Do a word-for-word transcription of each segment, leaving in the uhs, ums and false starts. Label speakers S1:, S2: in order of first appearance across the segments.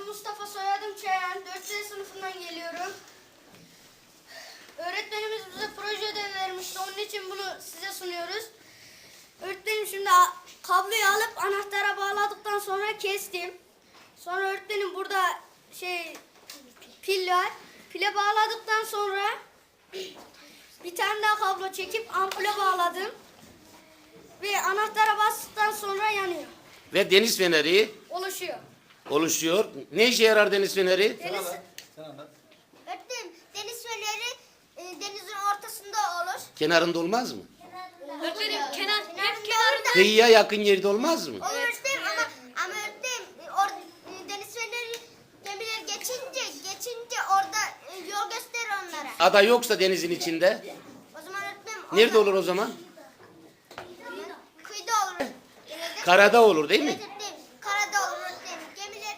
S1: Adım Mustafa, soyadım Çayan. dört C sınıfından geliyorum. Öğretmenimiz bize proje ödevi vermişti. Onun için bunu size sunuyoruz. Öğretmenim şimdi kabloyu alıp anahtara bağladıktan sonra kestim. Sonra öğretmenim burada şey pil var. Pile bağladıktan sonra bir tane daha kablo çekip ampule bağladım. Ve anahtara bastıktan sonra yanıyor.
S2: Ve deniz feneri
S1: Oluşuyor.
S2: oluşuyor. Ne işe yarar deniz feneri?
S1: Deniz,
S3: Öğretmenim, deniz feneri e, denizin ortasında olur.
S2: Kenarında olmaz mı?
S1: öğretmenim kenar, hep
S3: Kenarında
S2: Kıyıya yakın yerde olmaz mı?
S3: olur öğretmenim ama, ama öğretmenim e, or, e, deniz feneri gemiler geçince geçince orada e, yol gösterir onlara.
S2: Ada yoksa denizin içinde.
S3: O zaman öğretmenim
S2: Nerede
S3: orada-
S2: olur o zaman?
S3: Kıyıda olur. Denizde-
S2: Karada olur değil
S3: Evet
S2: mi?
S3: öğretmenim, karada olur öğretmenim. Gemiler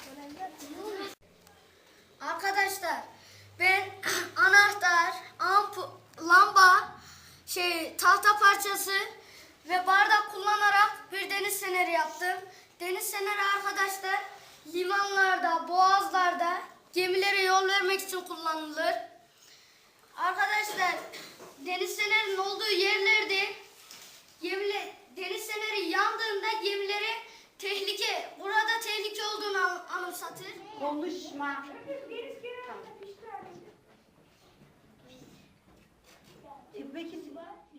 S1: Arkadaşlar ben anahtar, ampul, lamba, şey tahta parçası ve bardak kullanarak bir deniz feneri yaptım. Deniz feneri arkadaşlar limanlarda, boğazlarda gemilere yol vermek için kullanılır. Arkadaşlar deniz fenerinin olduğu yerlerde gemiler, deniz feneri yandığında gemilere tehlike, burada tehlike olduğunu an- anımsatır.
S4: Konuşma. Peki